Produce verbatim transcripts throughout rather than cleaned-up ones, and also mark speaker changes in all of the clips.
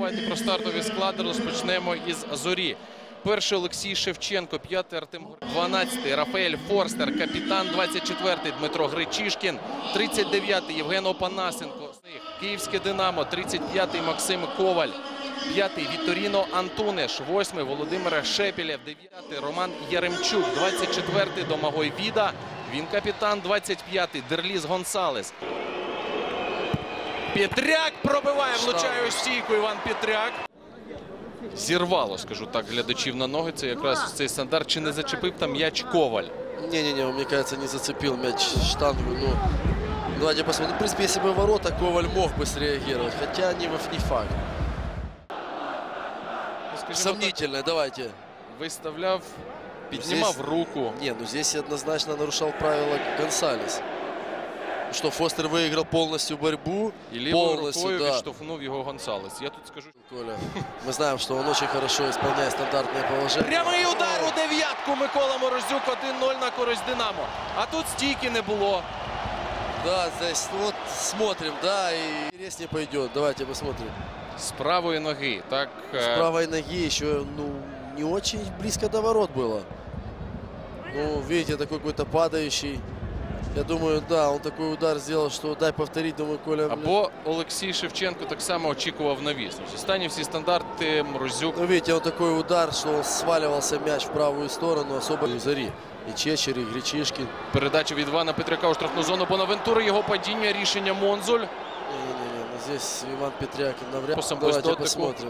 Speaker 1: Давайте про стартові склади розпочнемо із Зорі. Перший Олексій Шевченко, п'ятий Артем Гордій, дванадцятий Рафаель Форстер, капітан двадцять четвертий Дмитро Гречишкін, тридцять дев'ятий Євген Опанасенко, Київське Динамо, тридцять п'ятий Максим Коваль, п'ятий Вітторіно Антунеш, восьмий Володимир Шепелєв, дев'ятий Роман Яремчук, двадцять четвертий Домагой Віда, він капітан, двадцять п'ятий Дерліс Гонсалес. Петряк пробиває, влучає у стійку Іван Петряк. Зірвало, скажу так, глядачів на ноги. Це якраз цей стандарт. Чи не зачепив там м'яч Коваль?
Speaker 2: Не-не-не, мне кажется, не зацепил мяч штангу. Ну, давайте посмотрим. В принципе, если бы ворота, Коваль мог бы среагировать. Хотя не, не факт.
Speaker 1: Ну,
Speaker 2: сомнительно, так, давайте.
Speaker 1: Выставляв, піднімав здесь... руку.
Speaker 2: Не, ну здесь однозначно нарушал правила Гонсалес. Что Фостер выиграл полностью борьбу.
Speaker 1: И левой рукой да. Відштовхнув його Гонсалес. Я тут скажу...
Speaker 2: Коля, мы знаем, что он очень хорошо исполняет стандартные положения.
Speaker 1: Прямий удар у дев'ятку Микола Морозюк, один ноль на користь Динамо. А тут стійки не було.
Speaker 2: Да, здесь вот смотрим, да, и интереснее пойдет. Давайте посмотрим.
Speaker 1: С правой ноги, так...
Speaker 2: С правой ноги еще, ну, не очень близко до ворот было. Ну, видите, такой какой-то падающий. Я думаю, да, он такой удар сделал, что дай повторить, думаю, Коля...
Speaker 1: Або Олексій Шевченко так само очікував навіс. Останні всі стандарти Морозюк.
Speaker 2: Ну, видите, он такой удар, что он сваливался мяч в правую сторону, особо в Зорі. І Чечер, і Гречишкін.
Speaker 1: Передача від Івана Петряка у штрафну зону Бонавентури, його падіння, рішення Монзуль.
Speaker 2: Не-не-не, ну здесь Іван Петряк навряд.
Speaker 1: Давайте
Speaker 2: посмотрим.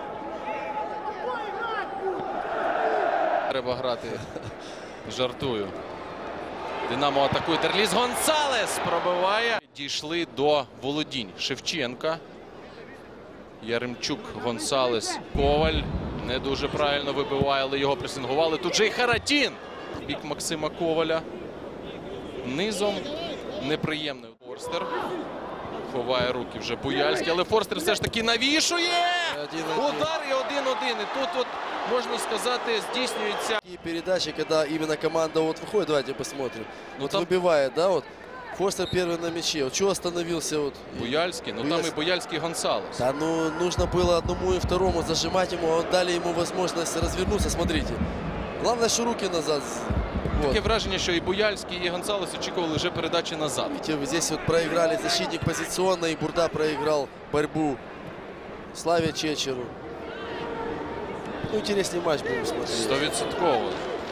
Speaker 1: Треба грати. Жартую. Динамо атакує. Дерліс Гонсалес пробиває. Дійшли до володінь Шевченка. Яремчук, Гонсалес, Коваль. Не дуже правильно вибиває, але його пресингували. Тут же і Харатін. Бік Максима Коваля. Низом неприємний Форстер. Ховає руки вже Буяльський, але Форстер все ж таки навішує! Удар і один-один. І тут, от, можна сказати, здійснюється...
Speaker 2: І передачі, коли іменно команда от виходить, давайте посмотрим.
Speaker 1: Ну,
Speaker 2: вот
Speaker 1: там...
Speaker 2: вибиває, да, от. Форстер первый на мяче. Вот чего остановился вот?
Speaker 1: Буяльский, ну Буяльский. Там и Буяльский, и Гонсалес.
Speaker 2: Да, ну нужно было одному и второму зажимать ему, а дали ему возможность развернуться, смотрите. Главное, что руки назад.
Speaker 1: Вот. Таке враження, що і Буяльський, і Гонсалес очікували вже передачі назад.
Speaker 2: Видите, здесь вот проиграли защитник позиционно, и Бурда проиграл борьбу Славе Чечеру. Ну, интересный матч будем смотреть.
Speaker 1: Стовідсотково.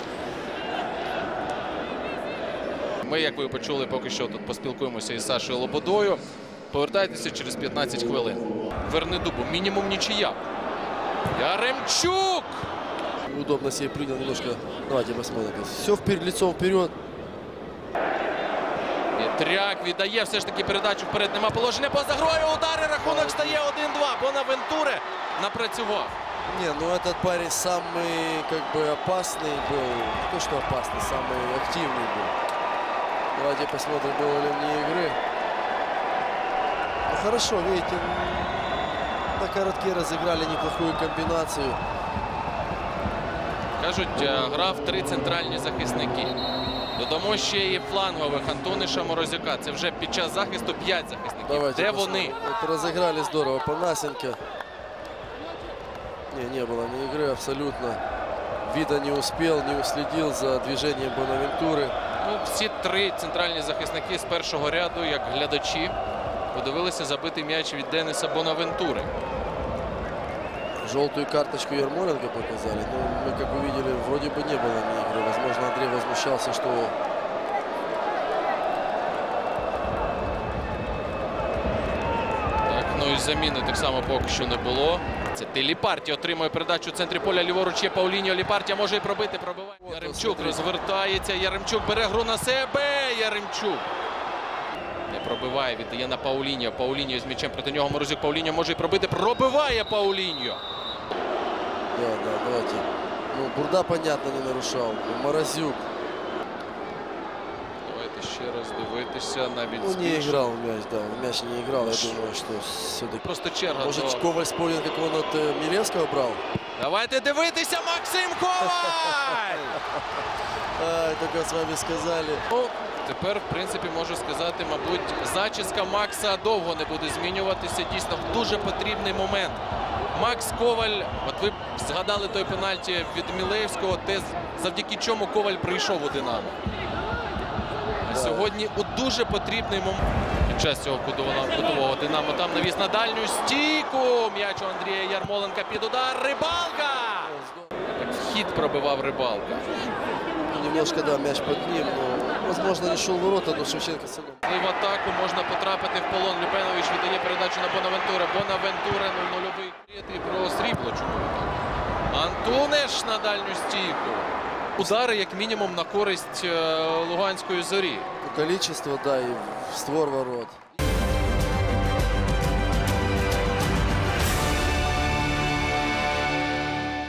Speaker 1: Ми, як ви почули, поки що тут поспілкуємося із Сашою Лободою. Повертайтеся через п'ятнадцять хвилин. Вернедубу. Мінімум нічия. Яремчук!
Speaker 2: Удобно себе принял немножко. Давайте посмотрим. Все вперед, лицом вперед.
Speaker 1: Петряк віддає все ж таки передачу вперед. Нема положення поза грою. Удари. Рахунок стає один-два. Бонавентуре напрацював.
Speaker 2: Не, ну этот парень самый как бы опасный был. Не то, что опасный, самый активный был. Давайте посмотрим, было ли вне игры. Ну, хорошо, видите, на коротке разыграли неплохую комбинацию.
Speaker 1: Кажуть, грав три центральні захисники. Додамо ще і флангових Антониша, Морозюка. Це вже під час захисту п'ять захисників.
Speaker 2: Давайте
Speaker 1: Де
Speaker 2: посмотрим.
Speaker 1: вони?
Speaker 2: Вот разыграли здорово. Панасенко. Не, не было ни игры абсолютно. Вида не успел, не уследил за движением Бонавентуры.
Speaker 1: Ну, всі три центральні захисники з першого ряду, як глядачі, подивилися забитий м'яч від Дениса Бонавентури.
Speaker 2: Желтую карточку Ярмоленко показали. Но мы, как увидели, вроде бы не было ни игры. Возможно, Андрей возмущался, что...
Speaker 1: Так, ну і заміни так само поки що не було. Це Ліпартія отримує передачу в центрі поля. Ліворуч є Пауліньо. Ліпартія може і пробити. Пробиває. Яремчук розвертається. Яремчук бере гру на себе. Яремчук. Не пробиває. Віддає на Пауліньо. Пауліньо з м'ячем проти нього. Морозюк. Пауліньо може і пробити. Пробиває Пауліньо.
Speaker 2: Да, да, давайте. Ну, Бурда, понятно, не нарушал. Морозюк.
Speaker 1: Давайте ще раз дивитися. Навіть
Speaker 2: ну, не играл в мяч, да. В мяч не играл. Я думаю, что все-таки...
Speaker 1: Просто черга.
Speaker 2: Может,
Speaker 1: до...
Speaker 2: Коваль вспомнил, как он от э, Милевского брал?
Speaker 1: Давайте дивитися. Максим Коваль!
Speaker 2: Ай, только с вами сказали.
Speaker 1: Ну, Тепер, в принципі, можу сказати, мабуть, зачіска Макса довго не буде змінюватися. Дійсно, в дуже потрібний момент. Макс Коваль, от ви згадали той пенальті від Мілеєвського, те, завдяки чому Коваль прийшов у «Динамо». А сьогодні у дуже потрібний момент. Під час цього кутового, кутового «Динамо» там навіс на дальню стійку. М'яч у Андрія Ярмоленка під удар. Рибалка! Так, вхід пробивав Рибалка.
Speaker 2: Немножко, да, мяч под ним, но, возможно, не шел в ворота, но Шевченко все равно.
Speaker 1: В атаку можна потрапити в полон. Люпенович віддає передачу на Бонавентура. Бонавентура нуль-нульовий. І про срібло чому так. Антунеш на дальню стійку. Удари, як мінімум, на користь е, Луганської Зорі.
Speaker 2: Количество, да, и в створ ворот.